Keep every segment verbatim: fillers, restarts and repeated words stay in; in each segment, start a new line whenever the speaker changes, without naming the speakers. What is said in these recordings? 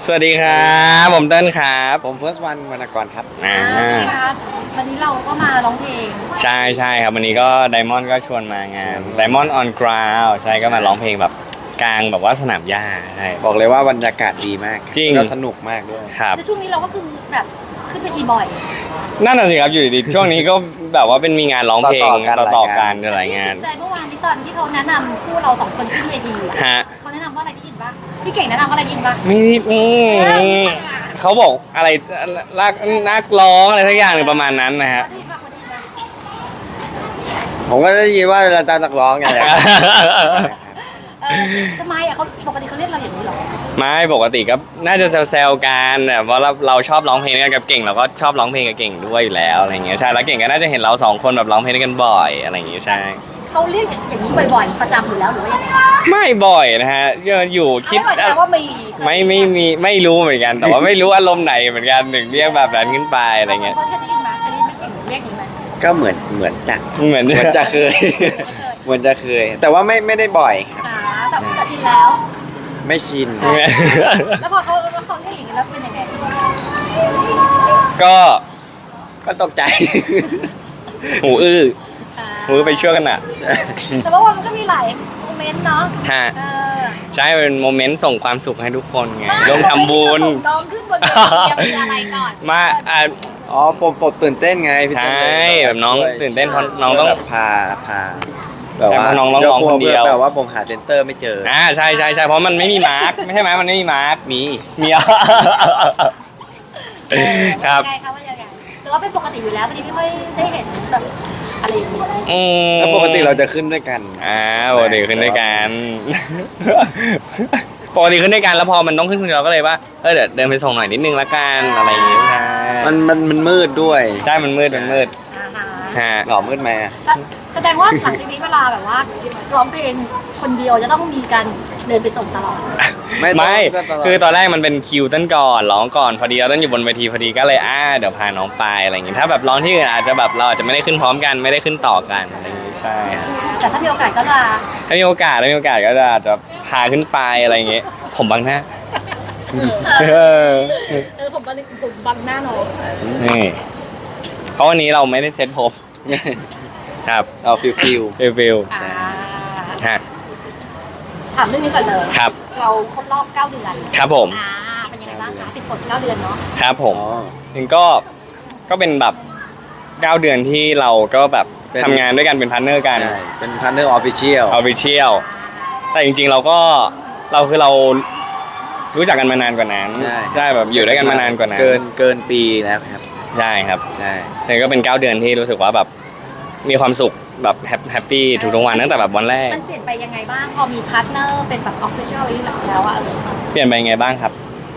สวัสดีครับผมเต้นครับ
ผมเฟิร์สวันวรรณกรครับ
อ่า
วันนี้เราก็มาร้องเพลง
ใช่ใช่ครับวันนี้ก็ไดมอนด์ก็ชวนมางานไดมอนด์ออนกราวใช่ก็มาร้องเพลงแบบกลางแบบว่าสนามหญ้าใช่
บอกเลยว่าบรรยากาศดีมาก
จริง
ก็สนุกมากด้วย
ครับ
แต่ช่วงนี้เราก็คือแบบขึ้นเวทีบ่อย
นั่นน่ะสิครับอยู่ดีๆช่วงนี้ก็แบบว่าเป็นมีงานร้องเพลงต่อๆกันหลายงาน
ใจเมื่อวานที่ตอนที่เขาแนะนำคู่เราสองคนขึ้นเวที
ฮะ
เขาแนะนำว่าอะไรที่ยินบ้างพี่เก่งแนะนำว่าอะไรยินบ้าง
ไม่ได้อืมเขาบอกอะไรนักนักร้องอะไรสักอย่างหนึ่งประมาณนั้นนะฮะ
ผมก็ได้ยินว่าอาจารย์นักร้องไงแหละ
ทำไมอ่ะเขาปกติเขาเรียกเราอย่างนี้หรอ
ไม่ปกติก็น่าจะแซวๆกันแบบว่าเราเราชอบร้องเพลงกันกับเก่งเราก็ชอบร้องเพลงกับเก่งด้วยอยู่แล้วอะไรเงี้ยใช่แล้วเก่งก็น่าจะเห็นเราสองคนแบบร้องเพลงกันบ่อยอะไรอย่างเงี้ยใช่
เขาเรียกอย่างนี้บ่อยๆประจำอยู่แล้วหรือว่ายังไง
ไม่บ่อยนะฮะอยู่คิด
ว่ามี
ไม่ไม่มีไม่รู้เหมือนกันแต่ว่าไม่รู้อารมณ์ไหนเหมือนกันถึงเรียกแบบนั้นขึ้นไปอะไรเงี้ย
เขาเคยได้ยินไหมเคยได้ยินไม่เก่งเรียกอย่างนี้ไหม
ก็เหมือนเหมือนจะ
เหมือน
เหมือนจะเคยเหมือนจะเคย แต่ว่าไม่ไม่ได้บ่อยครับ
อ่าแต่แต่ชินแล้ว
ไม่ชิน
แล้วพอเขาเขาเรียกอย่างนี้แล้วเป็นยังไง
ก็
ก็ตกใจ
หูอื้อหูไปช่วยกันอ่ะ
แต่ว่ามันก็มีหลายโมเมนต์เนาะ
ฮะใช่เป็นโมเมนต์ส่งความสุขให้ทุกคนไงร่วมทำบุญ
น้องขึ้นบนเวทีจะมีอะไรก่อน
มาอ่า
อ๋อผมผมตื่นเต้นไงพี่
ใช่แบบน้องตื่นเต้นเพราะน้องต้อง
พาพาแบบว่า
น้องร้องคนเดียว
แบบว่าผมหาเซนเตอร์ไม่เจอ
อ่าใช่ใช่ใช่เพราะมันไม่มีมาร์กไม่ใช่ไหมมันไม่มีมาร์ก
มี
มีอ่ะครับ
ยังไงคะว่ายังไงหรือว่าเป็นปกติอยู่แล้วพอดีไม่ค่อยได้เห็นแบบอะไรอย่างนี้
อืม
แล้วปกติเราจะขึ้นด้วยกัน
อ่าปกติขึ้นด้วยกันปกติขึ้นด้วยกันแล้วพอมันต้องขึ้นคนเดียวเราก็เลยว่าเออเดี๋ยวเดินไปส่งหน่อยนิดนึงละกันอะไรอย่างเงี้ย
มันมันมันมืดด้วย
ใช่มันมืดมันมืด
ฮะ
หล่อมืดไหม
แสดงว่าหลังจากนี้เวลาแบบว่าร้องเพลงคนเดียวจะต้องมีการเดินไปส่งตลอด
ไม่คือตอนแรกมันเป็นคิวต้นก่อนร้องก่อนพอดีเราต้นอยู่บนเวทีพอดีก็เลยอ่าเดี๋ยวพาน้องไปอะไรอย่างงี้ถ้าแบบร้องที่อื่นอาจจะแบบเราอาจจะไม่ได้ขึ้นพร้อมกันไม่ได้ขึ้นต่อกันอะไรอย่างงี้ใช่
แต่ถ้ามีโอกาสก็จะ
ถ้ามีโอกาสถ้ามีโอกาสก็จะอาจจะพาขึ้นไปอะไรอย่างเงี้ยผมบังหน้า
เออผมบังผมบังหน้าน้อง
นี่เพราะวันนี้เราไม่ได้เซ็ตผมครับ
เอาฟิลฟิล
ฟิลฟิลฮะ
ถามเรื่องนี้ก่อนเลย
ครับ
เราครบรอบเก้าเดือน
ครับผม
อ่าเป็นยังไงบ้างคะติดฝนเก้าเดือนเนาะ
ครับผมจริงก็ก็เป็นแบบเก้าเดือนที่เราก็แบบทำงานด้วยกันเป็นพาร์ทเนอร์กัน
เป็นพาร์ทเนอร์ออฟฟิเชียล
ออฟฟิเชียลแต่จริงๆเราก็เราคือเรารู้จักกันมานานกว่านั้นใช่แบบอยู่ด้วยกันมานานกว่านั้น
เกินเกินปีแล้วครับ
ใช่ครับ
ใช่
แต่ก็เป็นเก้าเดือนที่รู้สึกว่าแบบมีความสุขแบบแฮปปี้ทุกๆวันตั้งแต่แบบวันแรก
มันเปลี่ยนไปยังไงบ้างพอมีพาร์ทเนอร์เป็นแบบออฟฟิเชียลแล้วอะเออ
เปลี่ยนไปยังไงบ้างครับ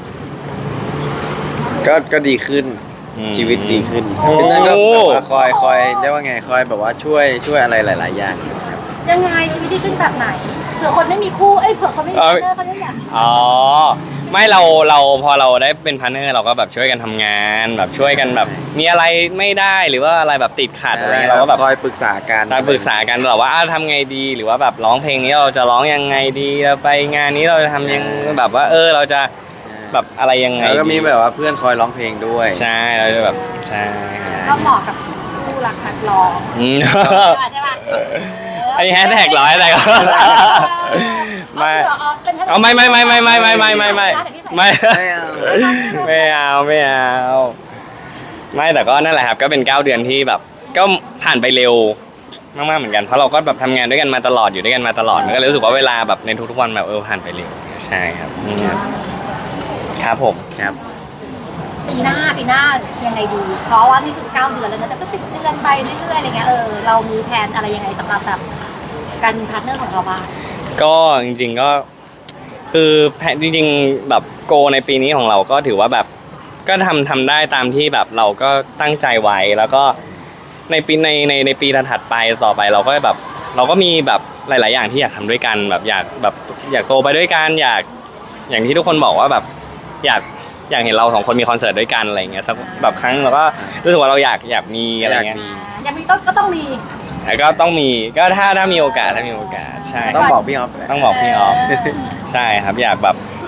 ก็ก็ดีขึ้นชีวิตดีขึ้นพี่นั่นก็แบบว่าคอยคอยเรียกว่าไงคอยแบบว่าช่วยช่วยอะไรหลายๆอย่าง
ยังไงชีวิตดีขึ้นแบบไหนเผื่อคนไม่มีคู่เอ้ยเผื่อคนไม่มีพาร์ทเนอร์เขาจะอยาก
อ๋อไม่เราเราพอเราได้เป็นพาร์ทเนอร์เราก็แบบช่วยกันทำงานแบบช่วยกันแบบมีอะไรไม่ได้หรือว่าอะไรแบบติดขัดอะไรเราก็แบบ
คอยปรึกษากัน
คอยปรึกษากันตลอดว่าทำไงดีหรือว่าแบบร้องเพลงนี้เราจะร้องยังไงดีเราไปงานนี้เราจะทำยังแบบว่าเออเราจะแบบอะไรยังไง
แล้วก็มีแบบว่าเพื่อนคอยร้องเพลงด้วย
ใช่เราจะแบบใช่
ก็เหมาะกับผู้รักนักร้องใช่ป่ะ
อันนี้แฮชแท็กร้อยอะไรก็ไม่เอาไม่ไม่ไม่ไม่ไม่ไม่ไม่ไม่ไม่ไม่ไม่เอาไม่เอาไม่แต่ก็นั่นแหละครับก็เป็นเก้าเดือนที่แบบก็ผ่านไปเร็วมากๆเหมือนกันเพราะเราก็แบบทำงานด้วยกันมาตลอดอยู่ด้วยกันมาตลอดมันก็เลยรู้สึกว่าเวลาแบบในทุกๆวันแบบเออผ่านไปเร็วใช่ครับครับผมครับ
ปีหน้าปีหน้ายังไงดีเพราะว่านี่คือเก้าเดือนแล้วนะแต่ก็สิบเดือนไปเรื่อยๆอะไรเงี้ยเออเรามีแผนอะไรยังไงสำหรับแบบการพาร์ทเนอร์ของเราบ้าง
ก็จริงๆก็คือแผนจริงๆแบบโกในปีนี้ของเราก็ถือว่าแบบก็ทำทำได้ตามที่แบบเราก็ตั้งใจไว้แล้วก็ในปีในในในปีถัดไปต่อไปเราก็แบบเราก็มีแบบหลายๆอย่างที่อยากทำด้วยกันแบบอยากแบบอยากโตไปด้วยกันอยากอย่างที่ทุกคนบอกว่าแบบอยากอยากเห็นเราสองคนมีคอนเสิร์ตด้วยกันอะไรเงี้ยสักแบบครั้งเราก็รู้สึกว่าเราอยากอยากมีอะไรเงี้ย
อยากมีต้องก็ต้องมี
แล้วก็ต้องมีก็ถ้าถ้ามีโอกาสถ้ามีโอกาสใช่
ต้องบอกพี่ออฟ
ต้องบอกพี่ออฟใช่ครับอยากแบบปี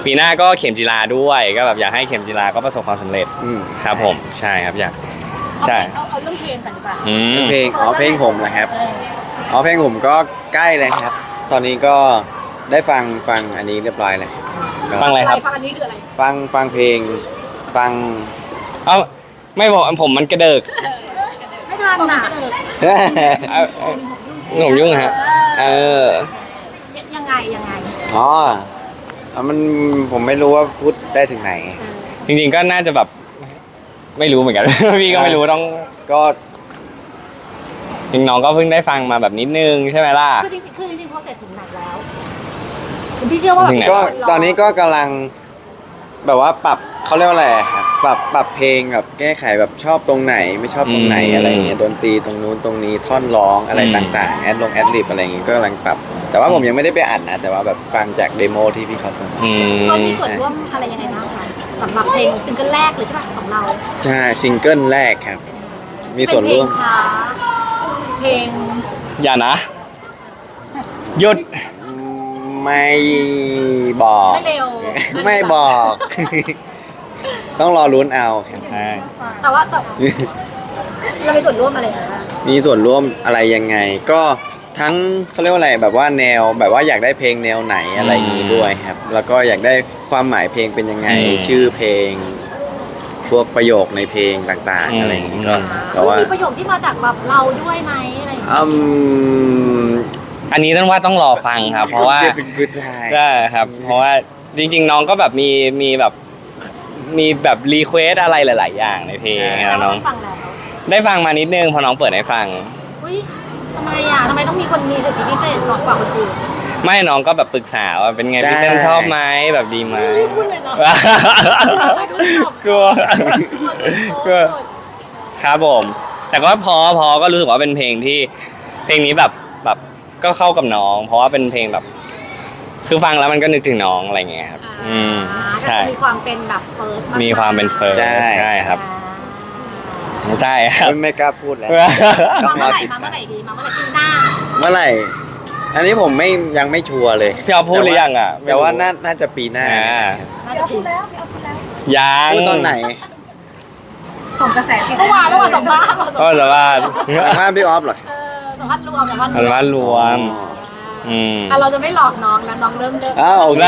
ปีหน้าก็เข็มจีราด้วยก็แบบอยากให้เข็มจีราก็ประสบความสำเร็จ
อืม
ครับผมใช่ครับอยากใช่
เอาเอาเรื่องเพลงกันดีกว่า
อืม
เพลงอ๋อเพลงผมนะครับ
เออ
อ๋อเพลงผมก็ใกล้เลยครับ ตอนนี้ก็ได้ฟังฟังอันนี้เรียบร้อยเลยก็
ฟังอะไรครับ
ฟังอันนี้คืออะไร
ฟังฟังเพลงฟัง
เอ้าไม่บอกผมมันกระเดิก
ไม่ทันน่ะ
เอาเอาผมยุ่งฮะเออ
ยังไงยังไง
อ๋ออ่ะมันผมไม่รู้ว่าพูดได้ถึงไหน
จริงๆก็น่าจะแบบไม่รู้เหมือนกัน พี่ก็ไม่รู้ต้อง
ก็
จริงน้องก็เพิ่งได้ฟังมาแบบนิดนึงใช่ไหมล่ะ
คือจริงๆคือจริงๆพอเสร็จถึงไหนแล้วคุณพี่เชื่อว่า
ถึงไหน
ก็ตอนนี้ก็กำลังแบบว่าปรับเขาเรียกว่าอะไรครับปรับปรับเพลงแบบแก้ไขแบบชอบตรงไหนไม่ชอบตรงไหน
อืม
อะไรอย่างเงี้ยดนตรีตรงนู้นตรงนี้ท่อนร้องอะไร
อืม
ต่างๆแอดลงแอดลิบอะไรอย่างงี้ก็กำลังปรับ แต่ว่าผมยังไม่ได้ไปอ่านนะ แต่ว่าแบบฟังจากเดโมที่พี่เขาส่งมา
อืม
เขามีส่วนร่วมอะไรยังไงบ้างคะสำหรับเพลงซิงเกิลแรกเลยใช่ป่ะของเรา
ใช่ซิงเกิลแรกครับ มีส่วนร่วม
เป็นเพลงช้าเพลง
อย่านะหยุด
ไม่บอก
ไม่เร็ว
ไม่บอก ต้องรอลุ้นเอาครับ
ใช่
แต่ว่าแต่เรามีส่วนร่วมอะไรนะ
มีส่วนร่วมอะไรยังไง ก็ทั้งเขาเรียกว่าอะไรแบบว่าแนวแบบว่าอยากได้เพลงแนวไหนอะไรอย่างนี้ด้วยครับ แล้วก็อยากได้ความหมายเพลงเป็นยังไง ชื่อเพลง พวกประโยคในเพลงต่างๆ อะไรอย่างนี้ก็แต่ว่า
มีประโยคที่มาจากแบบเราด้วยไหมอะไรอย่างเงี้ย
อืม
อันนี้ต้องว่าต้องรอฟังครับ เพราะว่า
เป็นพื้นฐาน
ใช่ครับ เพราะว่าจริงๆน้องก็แบบมีมีแบบมีแบบรีเควสอะไรหลาย ๆ อย่างในเพลง
แต่
นะ
ว่า
น้อง
ได้ฟังแล้ว
ได้ฟังมานิดนึงพอน้องเปิดให้ฟัง
อุ้ยทำไมอ่ะทำไมต้องมีคนมีสิทธิพิเศษก่อนกว่าคนอื่น
ไม่น้องก็แบบปรึกษาว่าเป็นไงพี่เต้นชอบไหมแบบดีไหม
ไม่พูดเลยเนาะ
กลัวกลัวครับผม แต่ก็พอพอก็รู้สึกว่าเป็นเพลงที่เพลงนี้แบบแบบก็เข้ากับน้อง เพราะว่าเป็นเพลงแบบ คือฟังแล้วมันก็นึกถึงน้องอะไรเงี้ยครับ อืมใช่
มีความเป็นแบบเฟิร์ส
มีความเป็นเฟิร์สใช่ครับใช่ครับ
ไม่กล้าพูดแล้ว
มาเมื่อไหร่มาเมื่อไหร่ดีมาเมื่อไหร่ปีหน้า
เมื่อไหร่ อันนี้ผมไม่ยังไม่ชัวร์เลย
พี่เอาพูดหรือยังอ่ะ
แต่ว่าน่าน่าจะปีหน้า
อ่า
น่าจะพูดแล้ว
ยัง
พูดตอนไหน
ส่งกระแสเมื่อวานเมื่อวานสัมภาษณ์
ก็จะว่า
สัมภาษณ์พี่ออฟเหรอ
เออสัมภาษณ์รวมสัมภาษณ์
อันว่ารวม อืม
อ่ะเราจะไม่หลอกน้องนะน้องเริ่มเริ่ม
อ้าวโอเค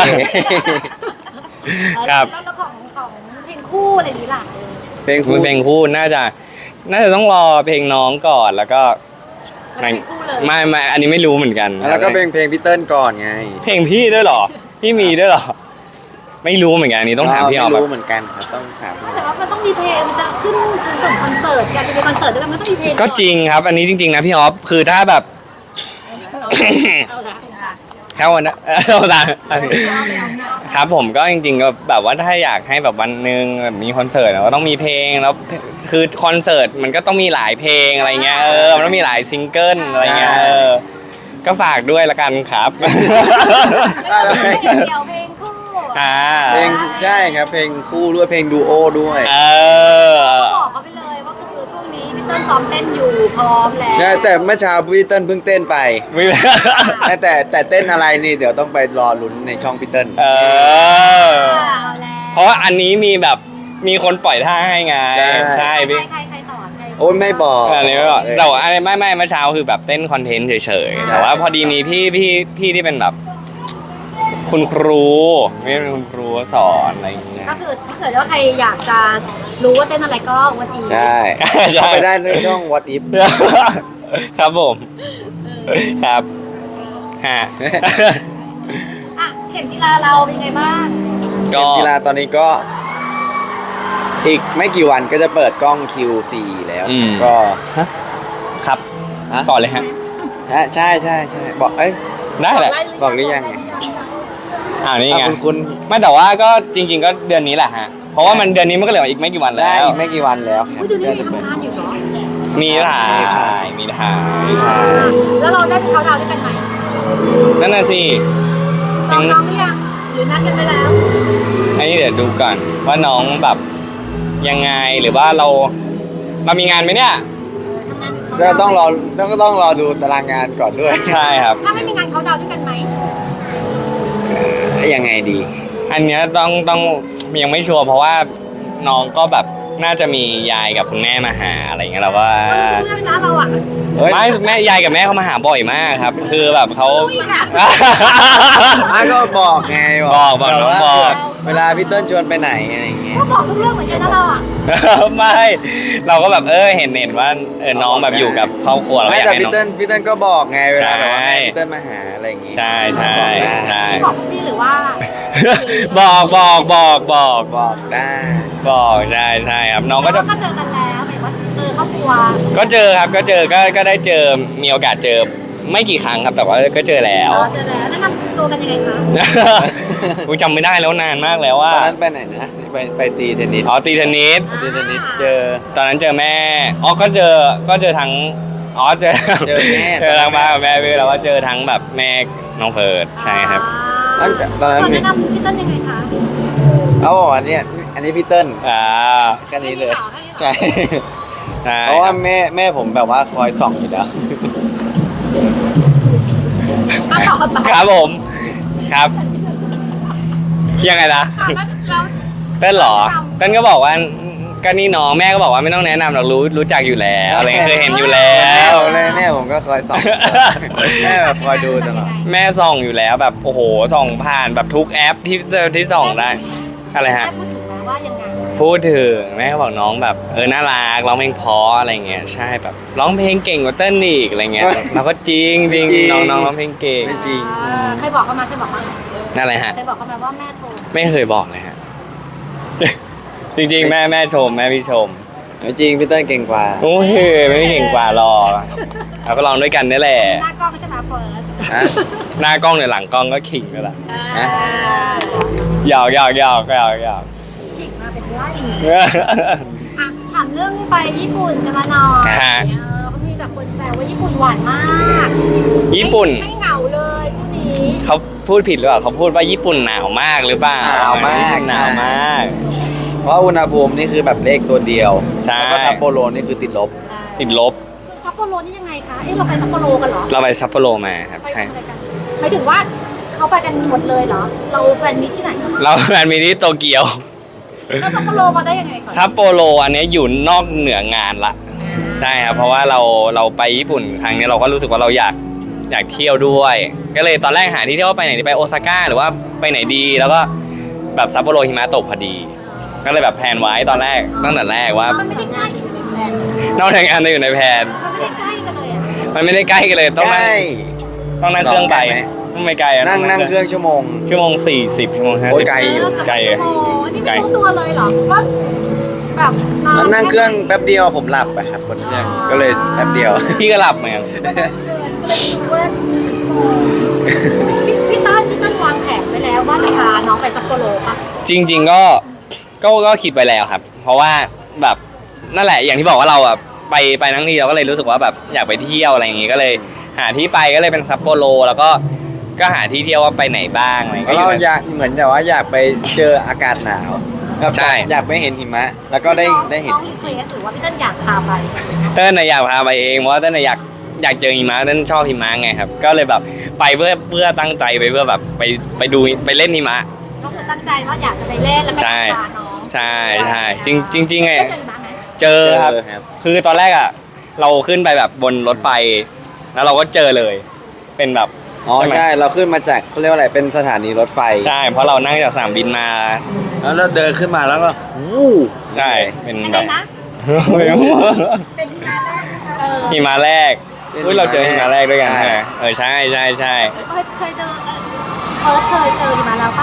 ครับ
แล้วของของเพลงคู่อะไรนี้ล่ะ
เพลง
คุ
คู่
ณเพลงคู่น่าจะ น่าจะต้องรอเพลงน้องก่อนแล้วก็
แล้วเพลงคู่เลย
ไม่ไม่อันนี้ไม่รู้เหมือนกัน
แล้วก็เพลงเพลงพี่เติ้ลก่อนไง
เพลงพี่ด้วยเหรอ พี่มีด้วยเหรอ ไม่รู้เหมือนกันอันนี้ต้องถามพี่ออฟ
ไม่
แบ
รู้
บ
เหมือนกันครับต้องถามพี่อ
แต่
อฟ
ว่ามันต้องมีเพลงมันจะขึ้นคอนเสิร์ตคอนเสิร์ตการจะมีคอนเสิร์ตด้วยมันต้องมีเพลง
ก็จริงครับ อันนี้จริง ๆ นะพี่ออฟคือถ้าแบบ
เอาละ
ถ้าวันนั้น เอาละครับผมก็จริงๆก็แบบว่าถ้าอยากให้แบบวันหนึ่งแบบมีคอนเสิร์ตก็ต้องมีเพลงแล้วคือคอนเสิร์ตมันก็ต้องมีหลายเพลงอะไรเงี้ยเออมันต้องมีหลายซิงเกิลอะไรเงี้ยเออก็ฝากด้วยละกันครับ
เพลงเดียวเพลงคู่
อ่า
เพลงใช่ครับ เพลงคู่ด้วยเพลงดูโอด้วย
เออ
บอกเขาไปเลยว่าคือช่วงนี้พี่เติ้ลซ้อมเต้นอยู่พร้อมแล้ว
ใช่แต่เมื่อเช้าพี่เติ้ลเพิ่งเต้นไป
ไม่
แต่แต่แต่เต้นอะไรนี่เดี๋ยวต้องไปรอลุ้นในช่องพี่เติ้ล
เออ
เอาแล้ว
เพราะว่าอันนี้มีแบบมีคนปล่อยท่าให้ไง
ใช่
ใช่
ใคร
พี่
ใครใครสอนใคร
โอ้ยไม่บอก
อันนี้ไม่บอกแต่ว่าอันนี้ไม่ไม่เมื่อเช้าคือแบบเต้นคอนเทนต์เฉยๆแต่ว่าพอดีมีพี่พี่พี่ที่เป็นแบบ คุณครูไม่เป็นคุณครูสอนอะไรอย่างเงี้ย
ก็คือถ้าเกิดว่าใครอยากจะรู้ว่าเต้นอะไรก็วันนี้
ใช่
ใช่
เข้าไปได้ในช่อง What If
ครับผมครับฮะ
อ่ะเข็มจีราเราเป็นไงบ้าง
เก
ก็
มกีฬาตอนนี้ก็ อีกไม่กี่วันก็จะเปิดกล้อง คิว โฟร์ แล้ว
อืม
ก็
ฮะครับ
ฮะ
ก่อนเลยฮะ
ฮะใช่ใช่ใช่บอกเอ้ย
ได้แหละ
บอกหรือยังไง
อ่านี่ไง
อ่ะคุณคุณ
ไม่แต่ว่าก็จริง ๆ ก็เดือนนี้แหละฮะเพราะว่ามันเดือนนี้มันก็เหลืออีกไม่กี่วัน
ได้
แล้ว
อีกไม่กี่วันแล้วครับ
อุ้ยเดี๋ยวนี้
ก็
มี
จะเปิด
ทำงานอยู่เหรอ
มีถ่ายมีถ่าย
อ่า
แล้วเราได้ไปเขาดาวน์ด้วยกันไหม
นั่นน่ะสิ
จองน้องหรือยังหรือนัดกันไปแล้ว
อันนี้เดี๋ยวดูก่อนว่าน้องแบบยังไงหรือว่าเราเรามีงานไหมเนี่ย
ก็ต้องรอก็ต้องรอดูตารางงานก่อนด้วย
ใช่ครับ
ถ้าไม่มีงานเขาดาวน์ด้วยกันไหม
ยังไงดี
อ
อันเนี้ยต้องต้องยังไม่ชัวร์เพราะว่าน้องก็แบบน่าจะมียายกับคุณแม่มาหาอะไรเงี้ยเราว่า
เพื่อนนะเราอ่ะ
เฮ้ย
ไม่แม่ยายกับแม่เขามาหาบ่อยมากครับ คือแบบเขา
อุ้ยค่ะ
อ่ะก็บอกไง
บอกบอก
แบบ
น้อง
ว่า
บอก
เวลาพี่เติ้ลชวนไปไหนอะไรอย่างเงี้ย
ก็บอกทุกเรื่องเหมือนกันนะเราอ่ะ
ไม่เราก็แบบเออเห็นเห็นว่าเออน้องแบบอยู่กับครอบครัวเรา
ไม่
อยาก
แต่
ให้
พี่
น้อง
เติ้ลพี่เติ้ลก็บอกไงเวลาแบบว่า
ใช่
แม่พี่เติ้ลมาหาอะไรอย่างงี้
ใช่ใช่
บอกได้
ใช่
บอกพวกพี่หรือว่า
บอกบอกบอกบอก
บอกได้
บอกใช่ใช่ครับน้องก็จะ
ก็เจอกันแล้วหมายว่าเจอครอบครัว
ก็เจอครับก็เจอก็ก็ได้เจอมีโอกาสเจอไม่กี่ครั้งครับแต่ว่าก็เจอแล้ว
อ๋อเจอแล้วแนะนำตัวกันยังไงคะ
กูจำไม่ได้แล้วนานมากแล้ว
ต
ว่า
อนนั้นไปไหนนะไปไปตีเทนนิส
อ๋อตีเทนนิส
ตีเทนนิสเจอ
ตอนนั้นเจอแม่อ๋อก็เจอก็เจอทั้งอ๋อเจอ
เจอแม่
เจอทั้งบ้านกับแม่พี่แล้วว่าเจอทั้งแบบแม่น้องเฟิร์สใช่ครับ
ตั้งแต่ตอนนั้น
ตอน
มี
แนะนำพี่เต้นยังไงคะ
เขาบอกว่าเนี่ยอันนี้พี่เติ้ล
อ่า
แค่นี้เลย ใช่
ใช่
เพราะว่าแม่แม่ผมแบบว่าคอยส่องอยู่แล้ว
มาต่อต่อ
ครับผมครับ ยังไงนะ
แล้ว
เต้นเหรอเต้นก็บอกว่าก็นี่น้องแม่ก็บอกว่าไม่ต้องแนะนำหรอกรู้รู้จักอยู่แล้วอะไรเงี้ยเคยเห็นอยู่แล้
แม่
ว
ผมเลยแม่ผมก็คอยส่อง แม่แบบคอยดูตลอด
แม่ส่องอยู่แล้วแบบโอ้โหส่องผ่านแบบทุกแอปที่ที่ส่องได้อะไรฮะ
แม่พูดถึงนะว่ายังไง
พูดถึงแม่ก็บอกน้องแบบเออน่ารักร้องเพลงเพราะอะไรเงี้ยใช่แบบร้องเพลงเก่งกว่าเต้นอีกอะไรเงี้ยเราก็จริงจริงน้องน้องร้องเพลงเก่ง
ไม่จริง
อ่าเคยบอกเขามาเคยบอกเขามา
นั่นแหละฮะ
เคยบอกเขามาว่าแม่โชว์
ไม่เคยบอกเลยฮะ จริงๆแม่แม่ชมแม่พี่ชม
ไม่จริงพี่เติ้ลเก่งกว่า
โอ้ยไม่เก่งกว่าหรอกเราก็ลองด้วยกันนี่แหละ
หน้ากล้องใช่ไหมเฟิร์ส
ฮะ
หน้ากล้องหรือหลังกล้องก็ขิงก็แหละ
อ่า
หยอกหยอกหยอกหยอกหยอก
ขิงมาเป็นไล่อ่ะถามเรื่องไปญี่ปุ่นกันมาหน่อย
ฮะ
เออเขามีแต่คนแซวว่าญี่ปุ่นหวานมาก
ญี่ปุ่น
ไม่ไม่เหงาเลยคู่นี้
เขาพูดผิดหรือเปล่าเขาพูดว่าญี่ปุ่นหนาวมากหรือเปล่า
หนาวมาก
ญี่ปุ่นหนาวมาก
เพราะอุณหภูมินี่คือแบบเลขตัวเดียว
ใช่
แล้วก็ซัปโปโรนี่คือติดลบ
ติดลบ
ซัปโปโรนี่ยังไงคะเอ้เราไปซัปโปโรกันเหรอ
เราไปซัปโปโรมาครับ
ไป
ใช่
ทำอะไรกันหมายถึงว่าเขาไปกันหมดเลยเหรอ เราแฟนมิตที่ไหนคะ
เราแฟนมีที่โตเกียว
แล้วซัปโปโรมาได้ยังไงก่อน
ซัปโปโรอันเนี้ยอยู่นอกเหนืองานละ ใช่ครับเพราะว่าเราเราไปญี่ปุ่นครั้งนี้เราก็รู้สึกว่าเราอยากอยากเที่ยวด้วย ก็เลยตอนแรกหาที่เที่ยวว่าไปไหนดีไปโอซาก้าหรือว่าไปไหนดีแล้วก็แบบซัปโปโรหิมะตกพอดี ก็เลยแบบแพลนไว้ตอนแรกตั้งแต่แรกว่า
มันไม่ได้ใกล้กันเลยแฟน
นอกจากงานจะอยู่ในแพลน
มันไม่ได้ใกล้กันเลยอ่ะ
มันไม่ได้ใกล้กันเลยต้อง
ใก
นั่ง
ล้
ต้องนั่งเครื่องไป
ลองกันไหม
ไม่ไกลอะ
นั่งนั่งเครื่องชั่วโมง
ชั่วโมงสี่สิบชั่วโมงห้า
โอ้
สิ
ย
บ
ไกลอยู่
ไกล
โอ้นี่ไม่รู้ตัวเลยเหรอว่าแบบนอน
แล้วนั่งเครื่องแป๊บเดียวผมหลับไปครับบนเครื่องก็เลยแป๊บเดียว
พี่ก็หลับเหมือนกัน
พี่พี่ต้นพี่ต้นวางแผนไว้แล้วว่าจะพาน้องไปซัปโปโรปะ
จริง ๆก็ก็ก็คิดไปแล้วครับ เพราะว่าแบบนั่นแหละอย่างที่บอกว่าเราแบบไปไปทั้งทีเราก็เลยรู้สึกว่าแบบอยากไปเที่ยวอะไรอย่างงี้ก็เลยหาที่ไปก็เลยเป็นซัปโปโรแล้วก็ก็หาที่เที่ยวว่าไปไหนบ้างอะไร
เพราะ
ก็
เรา
อยู่
อยากเหมือนแบบว่าอยากไปเจออากาศหนาวแบบ
ใช่
อยากไปเห็นหิมะ แล้วก็ได้
น้อง
ได้เห็น
น้องรีเควสหรือว่าพี่ต้นอยากพาไป
เต้นน่ะอยากพาไปเองเพราะว่าเต้นน่ะอยากอยากเจอหิมะเต้นชอบหิมะไงครับก็เลยแบบไปเพื่อเพื่อตั้งใจไปเพื่อแบบไปไปดูไปเล่นหิมะ
ก็คือตั้งใจว่าอยากจะไปเล่นแล้วก็
ใช่
พาน้อง
ใช่ใช่จริงจริงจริงๆไง
ได้เจอหิมะไหม
เจอครับ
เจอครับ
คือตอนแรกอ่ะเราขึ้นไปแบบบนรถไฟแล้วเราก็เจอเลย เป็นแบบ
อ๋อ
ใช่ไหม
ใช่เราขึ้นมาจากเขาเรียกว่าอะไรเป็นสถานีรถไฟ
ใช่เพราะเรานั่งจากสนามบินมา
แล้วเราเดินขึ้นมาแล้วก็วู้
ใช่เป็น
ยัง
แบ
ไง
บ
นะ เป็นหิมะแรกนะคะเออ
หิมะแรกอุ้ยเราเจอหิมะแรกด้วยกันใช่ไหมเออใช่ใช่ใช่
เคยเคยเจอเออเฟิร์สเคยเจอหิมะแล้วปะ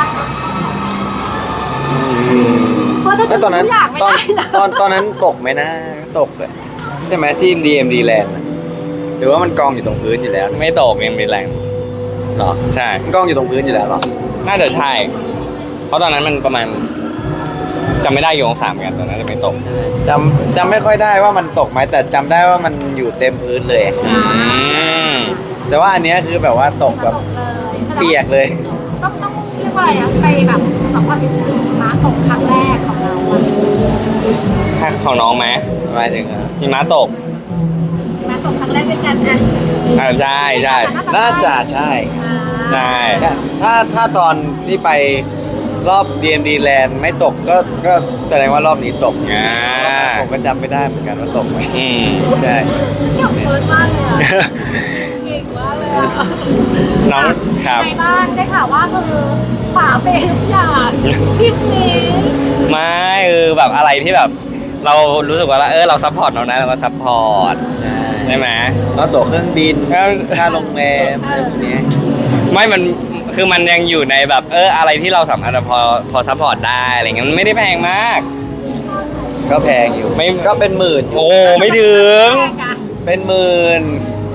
เฟิร์สจะเจ
แล้ว
อ
ตอนนั้น
ทุกอย่างไม่
ตอน
ได้เหร
ตอนตอนนั้นตกไหมนะตกเลยใช่ไหมที่ ดี เอ็ม ดี Land น่ะหรือว่ามันกองอยู่ตรงพื้นอยู่แล้ว
ไม่ตกยังมีแรง
เหรอ
ใช่
มันกองอยู่ตรงพื้นอยู่แล้วเหรอ
น่าจะใช่ เพราะตอนนั้นมันประมาณจำไม่ได้กี่องศาเหมือนกันตอนนั้นจะไม่ตก
จำจำไม่ค่อยได้ว่ามันตกไหมแต่จำได้ว่ามันอยู่เต็มพื้นเลย
อืม
แต่ว่าอันเนี้ยคือแบบว่าตกแบบ
ตกเลย
เปียกเลย
ต้องต้องเรียกว่าอะไรอะไปแบบสัมผัสหิมะตกครั้งแรกของเราอะ
ถ้าของน้องไหม
หมายถึงอะ
หิมะตก
หิมะตกครั้งแรกด้วยกันอะ
อ่าใช่ใช่
น่าจะใช่
ใช่
ถ้าถ้าตอนที่ไปรอบ ดี เอ็ม ดี Land ไม่ตกก็ก็แสดงว่ารอบนี้ตก
อ่า
ผมก็จำไม่ได้เหมือนกันว่าตกไหม
อืม
ใช่
เกี่ยวเฟิร์สมากเลยอะเก่งมากเลยอะ
น้องครับ
ในบ้านได้ข่าวว่าคือฝาเป็นทุกอย่างพิมพ์นี้
ไม่เออแบบอะไรที่แบบ เรารู้สึกว่าเออเราซัพพอร์ตน้องนะเราก็ซัพพอร์ต
ใช่
ใช่ไหม
แล้วตั๋วเครื่องบิน
ครับ
ค่าโรงแรมอะไรพวกเนี้ย
ไม่มันคือมันยังอยู่ในแบบเอออะไรที่เราสามารถพอพอซัพพอร์ตได้อะไรเงี้ยมันไม่ได้แพงมาก
ก็แพงอยู่
ไม่
ก็เป็นหมื่นอยู่
โอ้ไม่ถึง
แรกอะ
เป็นหมื่น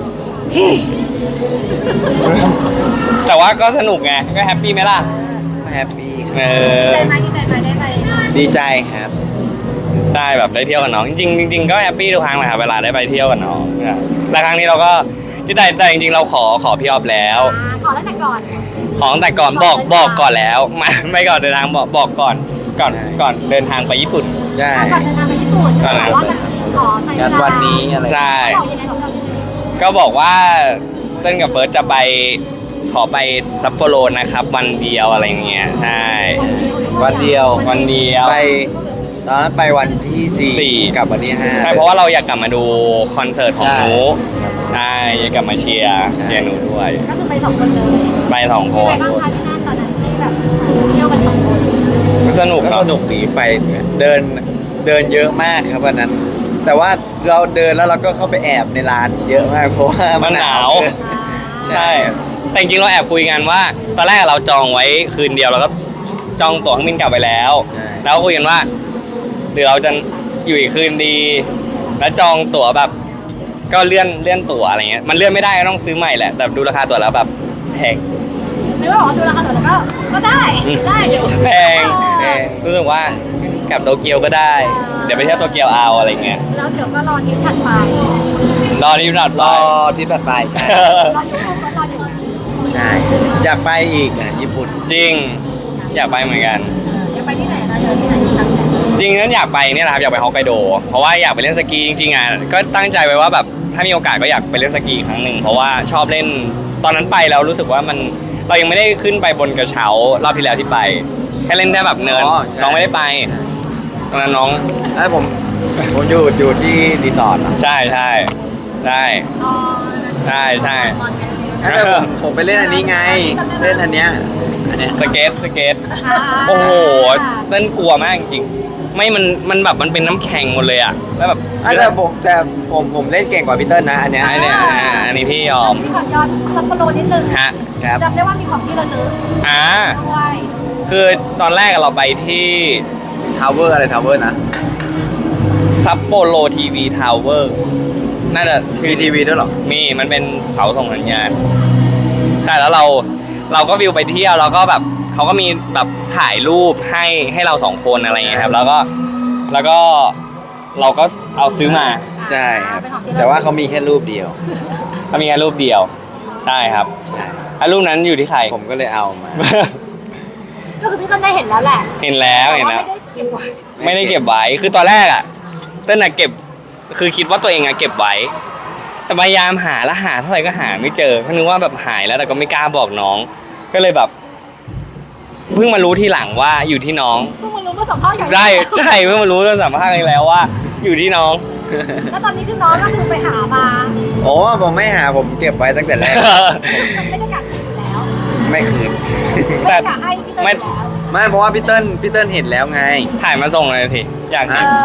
แต่ว่าก็สนุกไงก็แฮปปี้ไหมล่ะ
แฮปปี้
เอ
ดี
อ
ใจไหมดีใจไหมได้ไป
ดีใจครับ
ใช่แบบได้เที่ยวกับน้องจริงๆจริงๆก็แฮปปี้ทุกครั้งแหละครับเวลาได้ไปเที่ยวกับน้องเนี่ยแต่ครั้งนี้เราก็ที่แต่แต่จริงๆเราขอขอพี่ออฟแล้ว
อ่าขอตั้งแต่ก่อน
ของแต่ก่อนบอกบอกก่อนแล้วไม่ไม่ก่อนเดินทางบอกบอกก่อนก่อนก่อนเดินทางไปญี่ปุ่น
ใช่
ก่อนเดินทางไปญี่ปุ่น
ก่อน
ก็บอกว่าจะขอใช้เว
งาน
ลา
วันนี้อะไร
ใช่
บอกยังไงบอกเรายังไง
ก็บอกว่าเต้นกับเฟิร์สจะไปขอไปซัปโปโรนะครับวันเดียวอะไรเงี้ยใช่
วันเดียว
วันเดียว
ไปตอนนั้นไปวันที่สี่
สี่
กลับวันที่ห้า
ใช่เพราะว่าเราอยากกลับมาดูคอนเสิร์ตของ
ใช่
หนูใช่อยากกลับมาเชียร์
ใช่
เชียร์หนูด้วย
ก็คือไปสองคนเลย
ไปสองค
เป็นไง
น
บ้างคะที่นั่นตอนนั้นที่แบบเที่ยวกันสองคน
สนุก
ก็
เนาะ
สนุกดีไปเดินเดินเยอะมากครับวันนั้น แต่ว่าเราเดินแล้วเราก็เข้าไปแอบในร้านเยอะมากเพราะว่า
มันหนาว
เกิน ใช่
ใช่แต่จริงๆเราแอบคุยกันว่า ตอนแรกเราจองไว้คืนเดียวเราก็จองตั๋วเครื่องบินกลับไปแล้ว
ใช่
แล้วก็คุยกันว่าเดี๋ยวเราจะอยู่อีกคืนดี แล้วจองตั๋วแบบ ก็เลื่อนเลื่อนตั๋วอะไรเงี้ยมันเลื่อนไม่ได้ก็ต้องซื้อใหม่แหละแต่ดูราคาตั๋วแล้วแบบแพง
นึกว่าบอกว่าดูราคาตั๋วแล้วก็ก็ได้ได้อยู่
แพง
แพง
รู้สึกว่ากลับโตเกียวก็ได้ เดี๋ยวไปเที่ยวโตเกียวเอาอะไรเงี้ย
แล้วเดี๋ยวก็รอทริปถัดไป
รอที่นัด
ร
ไป
อที่ถัดไปใช่
รออยู่ก็รออยู่
ใช่อยากไปอีกอ่ะญี่ปุ่น
จริง อยากไปเหมือนกัน
จะไปที่ไหนนะเดี๋ยวที่ไหนตั้งแต่
จริงนั้นอยากไปเนี่ยนะครับอยากไปฮอกไกโด เพราะว่าอยากไปเล่นสกีจริงๆอ่ะก็ตั้งใจไว้ว่าแบบถ้ามีโอกาสก็อยากไปเล่นสกีครั้งหนึ่งเพราะว่าชอบเล่นตอนนั้นไปแล้วรู้สึกว่ามันเรายังไม่ได้ขึ้นไปบนกระเช้ารอบที่แล้วที่ไป แค่เล่นแค่แบบเนิน
อ๋อใช่
น้องไม่ได้ไปตอนนั้นน้อง
ไอ้ผมผมอยู่อยู่ที่รีสอร์ทอะ
ใช่ใช่ใช่
อ๋อ
ใช่ใช่
นอนกัน
แต่ผมผมไปเล่นอันนี้ไง เล่นอันเนี้ยอันเนี้ย
สเก็ตสเก็ต
อ่า
โอ้โหเต้นกลัวมากจริงๆไม่มันมันแบบมันเป็นน้ำแข็งหมดเลยอ่ะแล้วแบบ
อ่ะแต่ผมแต่ผมผมเล่นเก่งกว่าพีเตอร์นะอันเนี้ย
ไอ้เนี่ยอ่าอันนี้พี่ยอม
มีขอย้อนซัปโปโรนิดนึง
ฮะ
ครับ
จำได้ว่ามีของที่ระลึก
อ่า
ด้วย
คือตอนแรกเราไปที่
ทาวเวอร์อะไรทาวเวอร์นะ
ซัปโปโรทีวีทาวเวอร์น่าจะชื่
มี
อ
ทีวีด้วยเหรอ
มีมันเป็นเสาส่งสัญญาณใช่แล้วเราเราก็วิวไปเที่ยวแล้วก็แบบเขาก็มีแบบถ่ายรูปให้ให้เราสองคนอะไรอย่างเงี้ยครับ แล้วก็แล้วก็เราก็เอาซื้อมา
ใช่ครับ
เป็นของที่ระลึก
แต่ว่าเขามีแค่รูปเดียว
เขามีแค่รูปเดียวใช่ครับ
ใช่
อ่ะรูปนั้นอยู่ที่ใคร
ผมก็เลยเอามา
ก็คือพี่ต้นได้เห็นแล้วแหละ
เห็นแล้วเห็นแล้ว
ต่าไม่ได้เก็บไว้
ไม่ได้เก็บไว้ คือตอนแรกอ่ะเต้นน่ะเก็บ คือคิดว่าตัวเองอ่ะเก็บไว้ แต่พยายามหาแล้วหาเท่าไหร่ก็หาไม่เจอเพราะนึกว่าแบบหายแล้วแต่ก็ไม่กล้าบอกน้อง ก็เลยแบบ เพิ่งมารู้ทีหลังว่าอยู่ที่น้อง
เพิ่งมารู้ว่าสัมภาษณ์อย่าง
ใช่ใช่เพิ่งมารู้ตอนสัมภาษณ์กันแล้วว่า อยู่ที่น้อง
แล้วตอนนี้คือน้องก็คือไปหามา
โอ้ผมไม่หาผมเก็บไว้ตั้งแต่แรก
มันไม่ได้กักคืนอยู่แล้ว
ไม่คืน
ไม่ได้กักให้พี่เต้ยอยู่แล้ว
ไม่เพราะว่าพี่เติ้ลพี่เติ้ลเห็นแล้วไง
ถ่ายมาส่งเลยสิอยาก
เอ
เห็น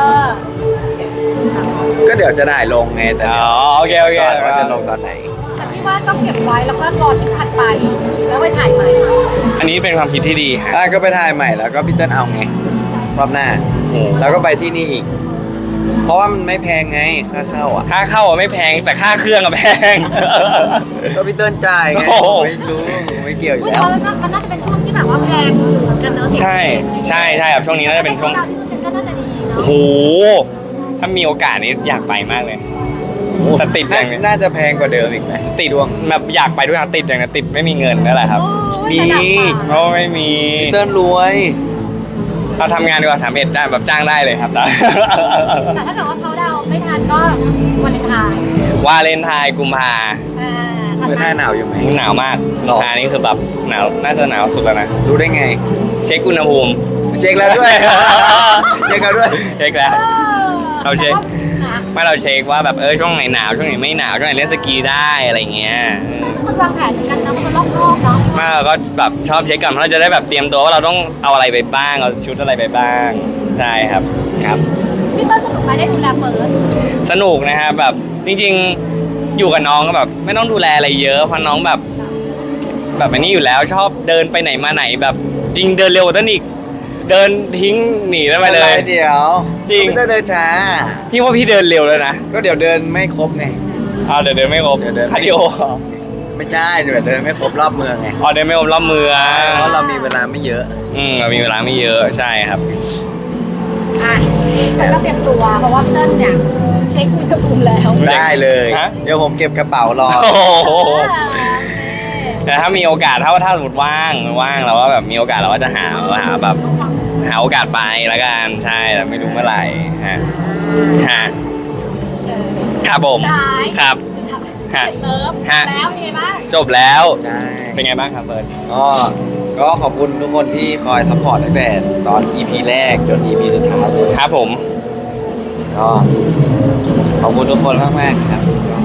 อ
ก็เดี๋ยวจะได้ลงไงแต่
อ๋อโอเคโอเค
ก่อนว่าจะลงตอนไหน
แต่พี่ว่าต้องเก็บไว้แล้วก็รอที่ถัดไป แล้วไปถ่ายใหม่
อันนี้เป็นความคิดที่ดีฮะ
ได้ก็ไปถ่ายใหม่แล้วก็พี่เติ้ลเอาไงรอบหน้า
โอ้
แล้วก็ไปที่นี่อีก เพราะว่ามันไม่แพงไงค่าเข้าอ่ะ
ค่าเข้าอะไม่แพงแต่ค่าเครื่องอะแพง
ก็พี่เติ้ลจ่ายไง
โอ้โห
ไม่รู้ไม่เกี่ยวอยู่
อุ๊ย
แล้ว
แล้วมันน่าจะเป็นช่วงที่แบบว่าแพงอยู่เหมือนกันเนอะ
ใช่ใช่ใช่ครับช่วงนี้น่าจะเป็นช่วง
ดาวที่มันก็น่าจะดีเน
โอ้
อะ
โหถ้ามีโอกาสนี้อยากไปมากเลย แต่ติดอ
น่า
ย่างเนี้ย
น่าจะแพงกว่าเดิมอีกไหม
ติดแบบอยากไปด้วยนะติดอย่างนี้ติดไม่มีเงินนั่นแหละครับ
โอ้ย
มี
ระดับป่า
โอ้ไม่มี
พี่เติ้ลรวย
เราทำงานดีกว่าสามเอ็ดได้แบบจ้างได้เลยครับ
แต่ถ้าเกิดว่าเขาดาวน์ไม่ทันก็วันเลนไทน์
วาเลนไทน์กุมภา
อ่าถัด
เมื่อห
มา
น้าหนาวอยู่ไหม
หนาวมาก
หรอ
กุมภานี่คือแบบหนาวน่าจะหนาวสุดแล้วนะ
รู้ได้ไง
เช็คอุณหภูมิ
เช็คแล้วด้วย เช็คแล้วด้วย
เช็คแล้ว เราเช็ค
อ่ะ
ไม่เราเช็คว่าแบบเออช่วงไหนหนาวช่วงไหนไม่หนาวช่วงไหนเล่นสกีได้อะไรเงี้ยเออ
คนวางแผนเหมือนกันนะคนรอบคอบเนาะ
ไมาเราก็แบบชอบเช็คก่อนเพราะเราจะได้แบบเตรียมตัวว่าเราต้องเอาอะไรไปบ้างเอาชุดอะไรไปบ้างใช่ครับ
ครับ
พี่เต้นสนุกไหมได้ดูแลเฟิร์ส
สนุกนะครับแบบจริงๆอยู่กับน้องก็แบบไม่ต้องดูแลอะไรเยอะเพราะน้องแบบ แบบอันนี้อยู่แล้วชอบเดินไปไหนมาไหนแบบจริงเดินเร็วกว่าต้นอีกเดินทิ้งหนีได้ไปเลย
เดี๋ยว
จริง
ไม่ต้องเดินช้า
พี่ว่าพี่เดินเร็วแล้วนะ
ก็เดี๋ยวเดินไม่ครบไง
อ้าวเดี๋ยวเดินไม่ครบ
เดี๋ยวเดินไม่
คาร์ดิโอ
ไม่ใช่เดี๋ยวเดินไม่ครบรอบเมืองไง
อ๋อเดินไม่ครบรอบเมือง
เพราะเรามีเวลาไม่เยอะ
อืมเรามีเวลาไม่เยอะใช่ครับ
อ่ะแล้วก็เตรียมตัวเพราะว่าพี่เต้นเนี่ยเช็คอุณหภูมิแล้ว
ได้เลย
ฮะ
เดี๋ยวผมเก็บกระเป๋ารอ
โอ้โห
อ่าโอเค
แต่ถ้ามีโอกาสถ้าถ้าสมมติว่างว่างเราก็แบบมีโอกาสเราก็จะหาหาแบบหาโอกาสไปละกันใช่แต่ไม่รู้เมื่อไหร่ฮะฮะ
เออ
ครับผม
สุดท้าย
ครับ
สุดท้าย
ฮะ
เสร็จเลิฟ
ฮะ
แล้วเป็นไงบ้าง
จบแล้ว
ใช่
เป็นไงบ้างครับเฟิร์น
ก็ก็ขอบคุณทุกคนที่คอยซัพพอร์ตตั้งแต่ตอน อี พี แรกจน อี พี สุดท้ายเลย
ครับผม
ก็ขอบคุณทุกคนมากมากๆครับ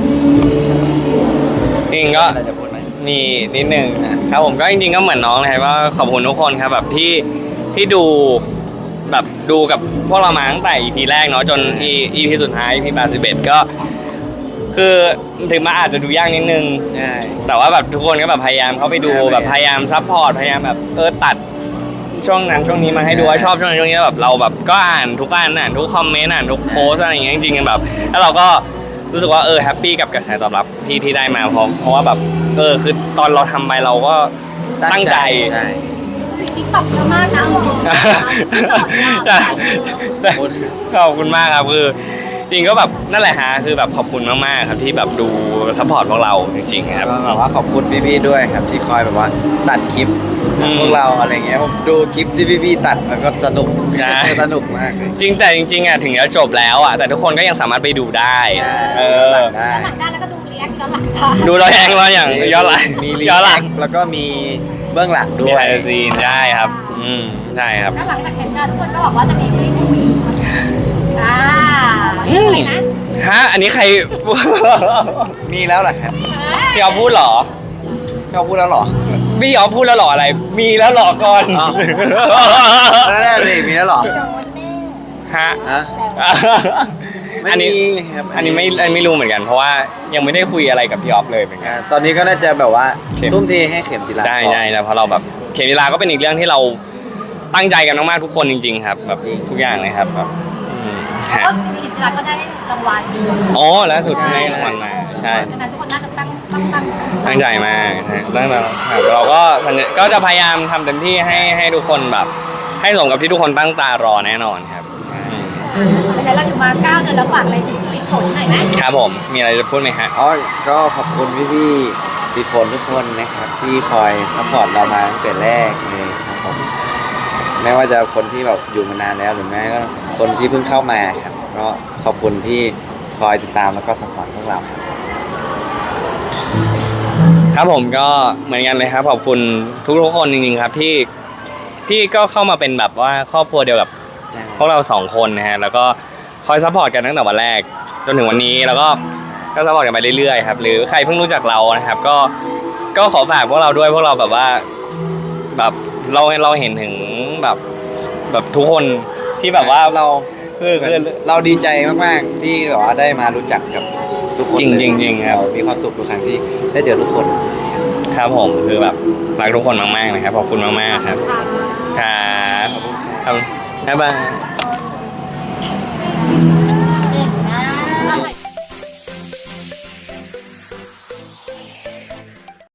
จริงๆก็
อะไรจะพูดไหม
มีนิดนึง
อ่ะ
ครับผมก็จริงๆก็เหมือนน้องเลยว่าขอบคุณทุกคนครับแบบที่ที่ดูแบบดูกับพวกเรามาตั้งแต่ อี พี แรกเนาะจน อี พี สุดท้าย อี พี แปดสิบเอ็ดก็ คือถึงมาอาจจะดูยากนิดนึง
ใช่
แต่ว่าแบบทุกคนก็แบบพยายามเข้าไปดู
พยายาม
แบบพยายามซัพพอร์ตพยายามแบบเออตัดช่วงนั้นช่วงนี้มาให้ดูว่าชอบช่วงนั้นช่วงนี้แล้วแบบเราแบบก็อ่านทุกอันอ่านทุกคอมเมนต์อ่านทุกโพสอะไรอย่างเงี้ยจริงๆแบบแล้วเราก็รู้สึกว่าเออแฮปปี้กับกระแสตอบรับที่ที่ได้มาเพราะเพราะว่าแบบเออคือตอนเราทำไปเราก็ตั้งใจ
ใช่
สิ่งที่ตอบเยอะมากนะจริงๆ
ใช่ขอบคุณมากครับคือจริงก็แบบนั่นแหละฮะคือแบบขอบคุณมากๆครับที่แบบดูซัพพอร์ตพวกเราจริงๆครับ
ก็แบบว่าขอบคุณพี่ๆด้วยครับที่คอยแบบว่าตัดคลิป
อืม
พวกเราอะไรเงี้ยผมดูคลิปที่พี่ๆตัดมันก็สนุก
ใช่
สนุกมากเลย
จริงแต่จริงๆอ่ะถึงจะจบแล้วอ่ะแต่ทุกคนก็ยังสามารถไปดูได้ เออ
ได้
ย้อนหลังได้แล้วก็ดูรีแอคย้อนหลังได้
ดูเราแองเราอย่างย้อนหลัง
มีรี
ย้อนหลั
แอง คแล้วก็มีเบื้องหลังด้
มี
ว
ไฮ
ย
ซีนใช่ครับ อืมใช่ครับ
แล้วหลังจากเห็นการทุกคนก็บอกว่าจะมีซีรีส์คุยอ่าเรื่องอะไรนะ
ฮะอันนี้ใคร
มีแล้วเหรอครับ
พี่ออฟพูดเหรอ
เขาพูดแล้วเหรอ
พี่ออฟพูดแล้วเหรออะไร มีแล้วเหรอก่อน
อ้าว นั่นแหละสิมีแล้วเหรอ
เดี๋ยววันนี้
ฮะ
ฮะ ไม่
อันนี้
มีครับ
อันนี้ไม่อันนี้ไม่รู้เหมือนกัน เพราะว่ายังไม่ได้คุยอะไรกับพี่ออฟเลยเหมือนกัน
อ่าตอนนี้ก็น่าจะแบบว่า
เข็ม
ทุ่มเทให้เข็มจิรา
ใช่
ก่อน
ใช่แล้วเพราะเราแบบเขมิลาก็เป็นอีกเรื่องที่เราตั้งใจกันมากๆทุกคนจริง ๆ ครับ แบบ
จริง
ทุกอย่างเลยครับแบบอืม
เพราะ
ฮะ
ว่ากิจรัตก็ได้รางวัล
อ๋อแล้วสุดท้ายรางวัลมาใช่
ฉะนั้นทุกคนน่าจะตั้งตั้งตั้ง
ตั้งใจมากฮะตั้งแต่เราก็ก็จะพยายามทำเต็มที่ให้ให้ทุกคนแบบ ให้สมกับที่ทุกคนตั้งตารอแน่นอนครับอืม
เป็นไงเราอยู่มาเก้าเดือนแล้วฝากอะไรถึงปิดฝนหน่อยไหม
ครับผมมีอะไรจะพูดไหมฮะ
อ๋อก็ขอบคุณพี่ๆพี่ฝนทุกคนนะครับ ที่คอยซัพพอร์ตเรามาตั้งแต่แรกเลยครับผมไม่ว่าจะคนที่แบบอยู่มานานแล้วหรือแม้ก็คนที่เพิ่งเข้ามาครับก็ขอบคุณที่คอยติดตามแล้วก็ซัพพอร์ตพวกเราครับ
ครับผมก็เหมือนกันเลยครับขอบคุณทุกๆคนจริงๆครับที่ที่ก็เข้ามาเป็นแบบว่าครอบครัวเดียวกับพวกเราสองคนนะฮะแล้วก็คอยซัพพอร์ตกันตั้งแต่วันแรกจนถึงวันนี้แล้วก็ก็ซัพพอร์ตกันไปเรื่อยๆครับหรือใครเพิ่งรู้จักเรานะครับ ก็ก็ขอฝากพวกเราด้วยพวกเราแบบว่าแบบเราเราเห็นถึงแบบแบบทุกคนที่แบบว่า
เรา
คือคือ
เราดีใจมากๆที่แบบว่าได้มารู้จักกับทุกคน
จริง
เลย
จริงๆครับ
เามีความสุขทุกครั้งที่ได้เจอทุกคน
ครับผมคือแบบรักทุกคนมากๆนะครับขอบคุณมากๆครับ
ค่ะ
ครับครับบ๊ายบาย